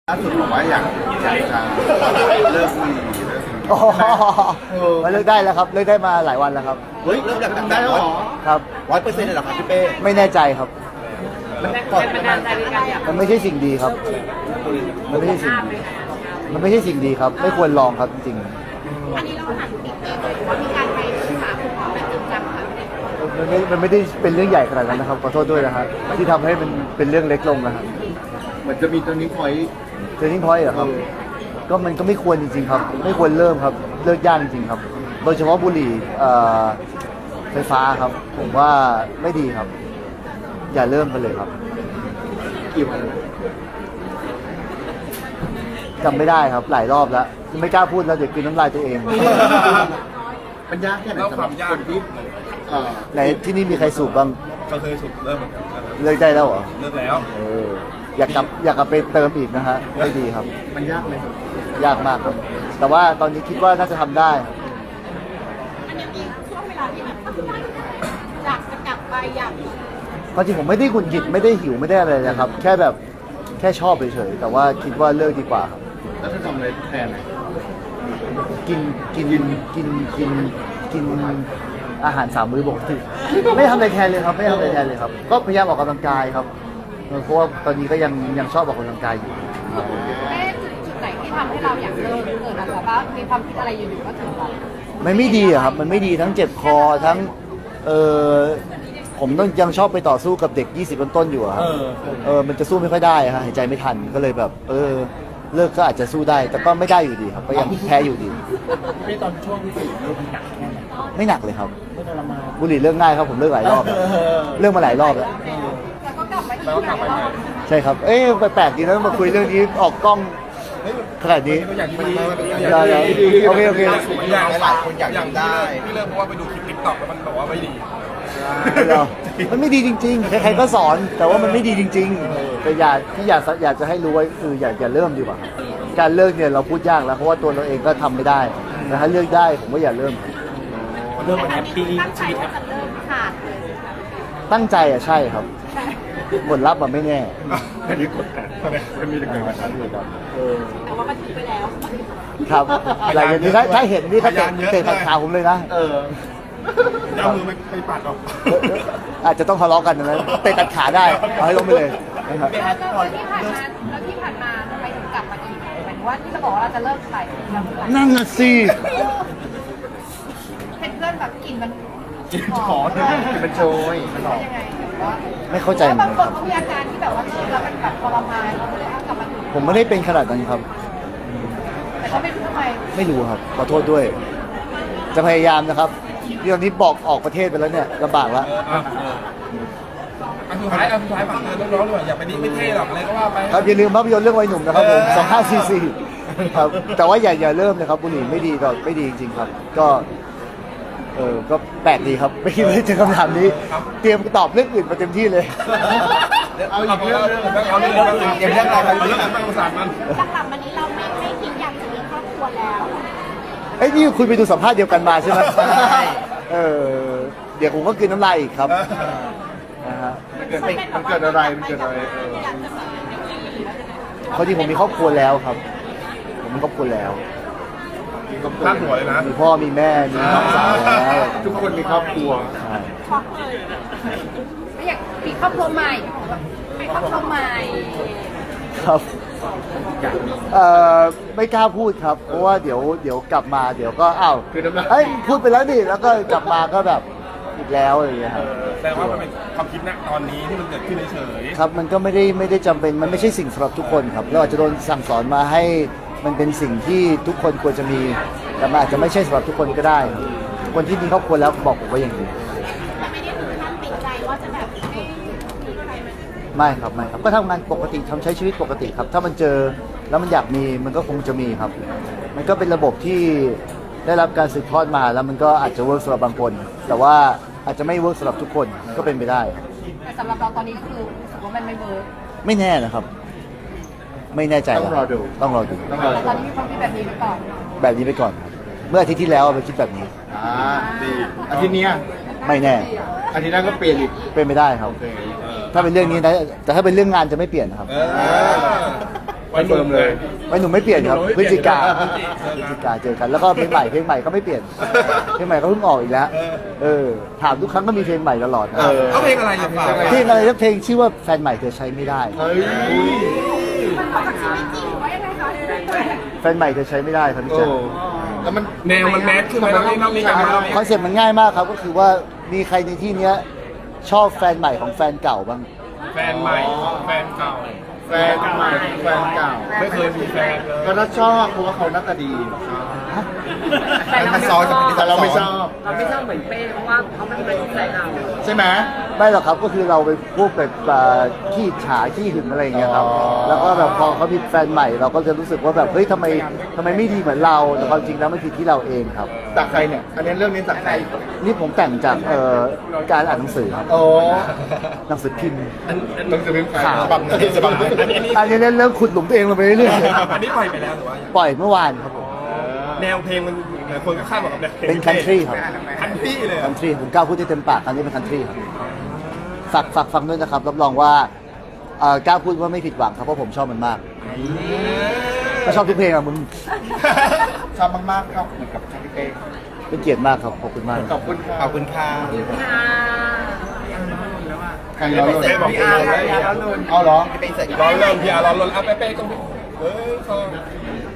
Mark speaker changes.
Speaker 1: ล่าสุดบอกว่าอยากจะเลิกบุหรี่เลิก
Speaker 2: อ๋อมาเลิกได้แล้วครับเลิกได้มาหลายวันแล้วครับ
Speaker 1: เฮ้ยเลิกได้แล้วเหรอ
Speaker 2: ครับ
Speaker 1: 100%เลยเหรอครับพี่เป้
Speaker 2: ไม่แน่ใจครับ
Speaker 1: มันก่อนมัน
Speaker 2: มันไม่ใช่สิ่งดีครับ มันไม่ใช่สิ่งดีมันไม่ใช่สิ่งดีครับ ไม่ควรลองครับจริง
Speaker 3: อันนี้เราหันติดเองเลยหรือว่ามีการไปปรึกษาคุณหมอแบบจริงจังคะ
Speaker 2: ๆมันไม่ได้เป็นเรื่องใหญ่ขนาดนั้นนะครับขอโทษด้วยนะครับที่ทำให้มันเป็นเรื่องเล็กลงนะครับ
Speaker 1: เหมือนจะมีตัวนี้พอยต์
Speaker 2: เจอทิ้งพอยต์เหรอครับก็มันก็ไม่ควรจริงๆครับ ไม่ควรเริ่มครับเลิกยากจริงๆครับ โดยเฉพาะบุหรี่ไฟฟ้าครับ ผมว่าไม่ดีครับ อย่าเริ่มกันเลยครับ
Speaker 1: กี่วัน
Speaker 2: จำไม่ได้ครับหลายรอบแล้วไม่กล้าพูดแล้วเดี๋ยวกินน้ำลายตัวเอง
Speaker 1: มันยากแค่ไหนสำหรับคนที่
Speaker 2: ในที่นี่มีใครสูบบ้าง
Speaker 4: ก็เคยสุดเริ่มเหมือนกัน
Speaker 2: เลิกได้แล้วเหรอ
Speaker 4: เลิกแล้ว
Speaker 2: อยากกลับไปเติมอีกนะฮะไม่ดีครับ
Speaker 1: มันยากไหมครับ
Speaker 2: ยากมากครับ แต่ว่าตอนนี้คิดว่าน่าจะทำได้
Speaker 3: อันนี้มีช่วงเวลาที่แบบอยากจะกลับไปอยาก
Speaker 2: ความจริงผมไม่ได้หงุดหงิดไม่ได้หิวไม่ได้อะไรนะครับ แค่แบบแค่ชอบเฉยๆแต่ว่าคิดว่าเลิกดีกว่าครับ
Speaker 1: แล้วถ้าทำอะไรแทนอะ
Speaker 2: กินอาหาร3 มื้อปกติไม่ทำอะไรแทนเลยครับไม่ทำอะไรแทนเลยครับ ก็พยายามออกกำลังกายครับเพราะว่าตอนนี้ก็ยังชอบออกกำลังกายอยู่
Speaker 3: จุดไหนที่ทำให้เราอยากเลิกเกิดอะไรบ้างมีความคิดอะไรอยู่ๆก็ถึงเรา
Speaker 2: มันไม่ดีอะครับ มันไม่ดีทั้งเจ็บคอทั้งผมต้องยังชอบไปต่อสู้กับเด็ก 20 ต้นๆอยู่อะครับมันจะสู้ไม่ค่อยได้ฮะหายใจไม่ทันก็เลยแบบเลิกก็อาจจะสู้ได้ แต่ก็ไม่ได้อยู่ดีครับก็ยังแพ้อยู่ดี
Speaker 4: ไม่ตอนช่วงที่สุดเริ่มหนักแค่ไหน
Speaker 2: ไม่หนักเลยครับ
Speaker 4: ไม่ทรมาน
Speaker 2: บุหรี่เลิกง่ายครับผมเลิกหลายรอบแล้วเลิกมาหลายรอบแล้ว
Speaker 3: แล้วก็กลับมาอีก
Speaker 4: แล้วก็กลับไปใหม่
Speaker 2: ใช่ครับแปลกดีนะมาคุยเรื่องนี้ออกกล้องขนาดนี้
Speaker 4: อย่างที่ดี
Speaker 2: โอเค
Speaker 4: อย่างหลายคนอยากได้พี่เลิกเพราะว่าไปดูคลิปติ๊กต็อกแล้วมันบอกว่าไม่ดี
Speaker 2: มันไม่ดีจริงๆ ใครๆก็สอน แต่ว่ามันไม่ดีจริงๆ แต่อยากจะให้รู้ไว้คืออย่าเริ่มดีกว่า การเลิกเนี่ยเราพูดยากแล้วเพราะว่าตัวเราเองก็ทำไม่ได้แต่ถ้าเลิกได้ผมก็อย่าเริ่ม
Speaker 4: เริ่มมันแฮปปี้
Speaker 3: ตั้งใจ
Speaker 4: ชีวิตแฮ
Speaker 3: ว่า
Speaker 4: ป
Speaker 3: จะเลิกขาดเลย
Speaker 2: ตั้งใจอ่ะใช่ครับผลลัพธ์มันไม่แน่
Speaker 4: อันนี้กดแต่มันมีแต่เกิดมาชั้นอยู่ครับ
Speaker 3: แต่ว่ามันถึงไปแล้ว
Speaker 2: ครับหลังจากนี้ถ้าเห็นนี่เขาเตะตัดขาผมเลยนะ
Speaker 4: เอามือไปปัดออก
Speaker 2: อาจจะต้องทะเลาะกันนะเตะตัดขาได้เอาให้ลงไปเลยนะครับ
Speaker 3: แล้วที่ผ่านมาทำไมถึงกลับมาอีกหมายถึงว่าที่เราบอกว่าเราจะเลิกไปเราเลิกไป
Speaker 2: นั่นน่ะสิ
Speaker 3: เป็นเพื่อนแบบกลิ่นมัน
Speaker 4: ขอ
Speaker 1: มันโชยมันออก
Speaker 3: ยังไงแบบว่า
Speaker 2: ไม่เข้าใจเหมือน
Speaker 3: บาง
Speaker 2: กัน
Speaker 3: คนเขามีอาการที่แบบว่าเลิกแล้วมันแบบทรมานเขาเลยกลับมาถึง
Speaker 2: ผมไม่ได้เป็นขนาดนั้นครับ
Speaker 3: แต่ก็ไม่รู้ทำไม
Speaker 2: ไม่รู้ครับขอโทษด้วย จะพยายามนะครับที่ตอนนี้บอกออกประเทศไปแล้วเนี่ยลำบากแล้ว
Speaker 4: อันสุดท้ายฝากเตือนน้องๆด้วยอย่าไปดีไม่เท่หรอกอะไรก็ว่าไป
Speaker 2: ครับอย่าลืมภาพยนตร์เรื่องวัยหนุ่มนะครับผม2544ครับแต่ว่าอย่าเริ่มเลยครับบุหรี่ไม่ดีก็ไม่ดีจริงๆครับ ก็ก็แปลกดีครับไม่คิดว่าจะเจอคำถามนี้ เตรียมตอบเรื่องอื่นมาเต็มที่เลย
Speaker 1: เอาอีกเรื่อง
Speaker 4: เอาเรื่องอะไรเอาเรื่องอะไรมาสานมัน
Speaker 3: หลังๆวันนี้เราไม่คิดอยากจะมีครอบครัวแล้ว
Speaker 2: เอ้ยนี่คุณไปดูสัมภาษณ์เดียวกันมาใช่ไหมเดี๋ยวผมก็กินน้ำลายอีกครับนะฮะ
Speaker 1: มันเกิดอะไรมันเกิดอะไร
Speaker 3: อยากจะแบบไม่มีหรือว่าจะไง
Speaker 2: เขาที่ผมมีครอบครัวแล้วครับ ผมมีครอบครัวแล้ว
Speaker 4: พลาดหัวเลยนะ
Speaker 2: มีพ่อมีแม่มีน้องสาวแล้ว
Speaker 1: ทุกคนมีครอบครัว
Speaker 2: ใช่
Speaker 3: ช็อกเลยไม่อยากมีครอบครัวใหม่มีครอบครัวใหม่
Speaker 2: ครับไม่กล้าพูดครับ เพราะว่าเดี๋ยวกลับมาเดี๋ยวก็อ้าว
Speaker 1: คือน้ำลาย
Speaker 2: เอ้ยพูดไปแล้วดิแล้วก็กลับมาก็แบบอีกแล้วอะไรอย่างเงี้ยครับ
Speaker 4: แต่ว่ามันเป็นความคิดณตอนนี้ที่มันเกิดขึ้นเฉย
Speaker 2: ครับมันก็ไม่ได้จำเป็นมันไม่ใช่สิ่งสำหรับทุกคนครับเราอาจจะโดนสั่งสอนมาให้มันเป็นสิ่งที่ทุกคนควรจะมีแต่มันอาจจะไม่ใช่สำหรับทุกคนก็ได้ครับคนที่มีครอบครัวแล้วบอกผมว่าอย่างนี้
Speaker 3: แต่ไม่ได้ถึงขั้นติดใจว่าจะแบบไม่มีใครมา
Speaker 2: ไม่ครับก็ทำงานปกติทำใช้ชีวิตปกติครับ ถ้ามันเจอแล้วมันอยากมีมันก็คงจะมีครับ มันก็เป็นระบบที่ได้รับการสืบทอดมาแล้วมันก็อาจจะเวิร์กสำหรับบางคน แต่ว่าอาจจะไม่เวิร์กสำหรับทุกคนก็เป็นไปได้ครับ
Speaker 3: แต่สำหรับเราตอนนี้ก็คือรู้สึกว่ามันไม่เวิร์ก
Speaker 2: ไม่แน่นะครับ ไม่แน่ใจ
Speaker 1: ต้องรอดู
Speaker 2: ต้องรอดู
Speaker 1: ต้องรอ
Speaker 3: แต่ตอนนี้มีความคิดแบบนี้ไปก่อน
Speaker 2: แบบนี้ไปก่อนครับเมื่ออาทิตย์ที่แล้วไปคิดแบบนี้
Speaker 1: ดีอาทิตย์เนี้ย
Speaker 2: ไม่แน่
Speaker 1: อาทิตย์หน้าก็เปลี่ยนอีก
Speaker 2: เป็นไม่ได้ครับ ถ้าเป็นเรื่องนี้นะแต่ถ้าเป็นเรื่องงานจะไม่เปลี่ยนนะครับ
Speaker 4: ๆ
Speaker 1: คอนเฟิร์มเลย
Speaker 2: ไม่หนูไม่เปลี่ยนครับพฤศจิกา
Speaker 4: พฤศจิกา
Speaker 2: เจอกันแล้วก็เพลงใหม่ก็ไม่เปลี่ยนเพลงใหม่ก็เพิ่งออกอีกแล้วถามทุกครั้งก็มีเพลงใหม่ตลอดนะ
Speaker 4: เขาเพลงอะไรอย่างเงี้ย
Speaker 2: เพลงอะไรสักเพลงชื่อว่าแฟนใหม่เธอใช้ไม่ได้
Speaker 1: เฮ้ย
Speaker 3: มันออกจากชีวิตจริงหรือว่ายังไงคะ
Speaker 2: แฟนใหม่เธอใช้ไม่ได้ครับพี่
Speaker 1: โอ้
Speaker 2: แจ๊ค
Speaker 1: แล้วมัน
Speaker 4: แนวมันแมสขึ้นไหมเราต้องมีการ
Speaker 2: คอนเซ็ปต์มันง่ายมากครับก็คือว่ามีใครในที่เนี้ยชอบแฟนใหม่ของแฟนเก่าบ้าง
Speaker 4: แฟนใหม่ของแฟนเก่า
Speaker 1: แฟนใหม่แฟนเก่า
Speaker 4: ไม่เคยมีแฟนเลย
Speaker 1: ก็ถ้าชอบเพราะว่าเขาหน้าตาดี
Speaker 3: แต่เราไม่ช
Speaker 1: ซ้
Speaker 3: อ
Speaker 1: อบ นแต่เราไม่ชอบ
Speaker 3: เราไม่ชอบเหมือนเป้เพราะว่าเขาไม่ได้ใจเรา
Speaker 1: ใช่ไหม
Speaker 2: ไม่หรอกครับก็คือเราไปพูดแบบขี้ฉาขี้หึงอะไรอย่างเงี้ยครับ
Speaker 1: อ๋อ
Speaker 2: แล้วก็แบบพอเขามีแฟนใหม่เราก็จะรู้สึกว่าแบบเฮ้ยทำไมไม่ดีเหมือนเราแต่ความจริงแล้วมันผิดที่เราเองครับ
Speaker 1: จากใครเนี่ย อันนี้เรื่องนี้จากใคร
Speaker 2: นี่ผมแต่งจากการอ่านหนังสือครับ
Speaker 1: โอ้
Speaker 2: หนังสือพิมพ์
Speaker 1: หนังสือพิมพ์ขาวฉบับไหนฉบับไหน
Speaker 2: อันนี้เริ่มขุดหลุมตัวเองลงไปเรื่อย
Speaker 4: อันนี้ปล่อยไปแล้วหรือว่า
Speaker 2: ๆปล่อยเมื่อวานครับผม
Speaker 4: แนวเพลงมันหลายคนก็คาดหวังกับแนวเพลง
Speaker 2: เป็น country ครับ
Speaker 4: คันทรีเลย
Speaker 2: คันทรีผมกล้าพูดได้เต็มปากครั้งนี้เป็นคันทรีครับฝากฟังด้วยนะครับรับรองว่ากล้าพูดว่าไม่ผิดหวังครับเพราะผมชอบมันมากก็ชอบทุกเพลงอะมึง
Speaker 1: ชอบมากๆครับเหมือนกับชาลิเป้
Speaker 2: เป็นเกียรติมากครับขอบคุณมาก
Speaker 1: ขอบคุณค่ะ
Speaker 4: ขอบคุณค่ะ
Speaker 3: ค่ะ
Speaker 1: ใครร้อน
Speaker 4: เป้บอก
Speaker 1: พี่
Speaker 4: พี่
Speaker 1: อา
Speaker 4: อา
Speaker 1: ร์
Speaker 4: ร์
Speaker 1: เอาเหรอ
Speaker 4: ร้อนเริ่มพี่อาร์ร้อนลนอ่ะเป้ต้องเออ